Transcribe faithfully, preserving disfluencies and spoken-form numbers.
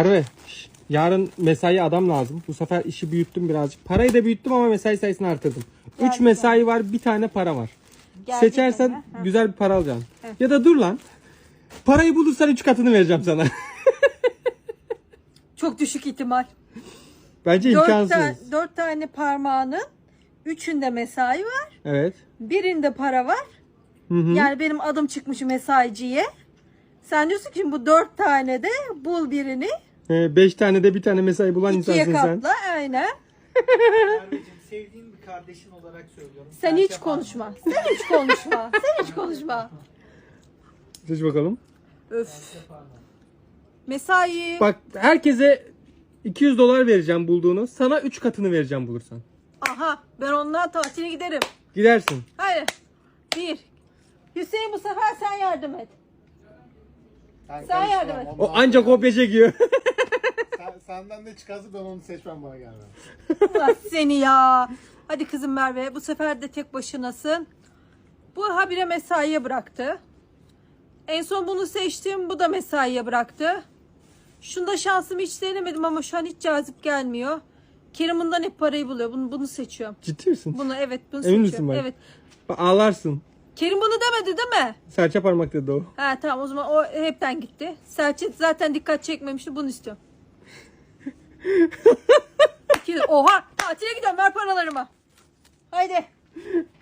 Merve, şş, yarın mesai adam lazım. Bu sefer işi büyüttüm birazcık. Parayı da büyüttüm ama mesai sayısını artırdım. üç mesai var, bir tane para var. Geldi Seçersen mi? Ha. güzel bir para alacaksın. Evet. Ya da dur lan. Parayı bulursan üç katını vereceğim sana. Çok düşük ihtimal. Bence Dört, imkansız. ta- dört tane parmağının üçünde mesai var. Evet. Birinde para var. Hı hı. Yani benim adım çıkmış mesaiciye. Sen diyorsun ki bu dört tane de bul birini. Ee, beş tane de bir tane mesai bulan ikiye insansın sen. katla. Aynen. Merveciğim, sevdiğin bir kardeşin olarak söylüyorum. Sen Serçe hiç konuşma. Sen hiç konuşma. Sen hiç konuşma. Seç bakalım. Öf. parmağı. Mesai. Bak herkese iki yüz dolar vereceğim bulduğunu. Sana üç katını vereceğim bulursan. Aha, ben ondan tatile giderim. Gidersin. Hayır. Bir. Hüseyin, bu sefer sen yardım et. Sen, Sen yardım et. O ancak kopya çekiyor. Sen, senden ne çıkarsa ben onu seçmem, bana gelmem. Allah seni ya. Hadi kızım Merve, bu sefer de tek başınasın. Bu habire mesaiye bıraktı. En son bunu seçtim, bu da mesaiye bıraktı. Şunda şansımı hiç denemedim ama şu an hiç cazip gelmiyor. Kerim bundan hep parayı buluyor. Bunu, bunu seçiyorum. Ciddi misin? Bunu evet, bunu Emin misin seçiyorum. bak? Evet. Bak, ağlarsın. Kerim bunu demedi değil mi? Serçe parmak dedi o. Ha tamam, o zaman o hepten gitti. Selçuk zaten dikkat çekmemişti, bunu istiyorum. İki- Oha, tatile gidiyorum, ver paralarımı. Haydi.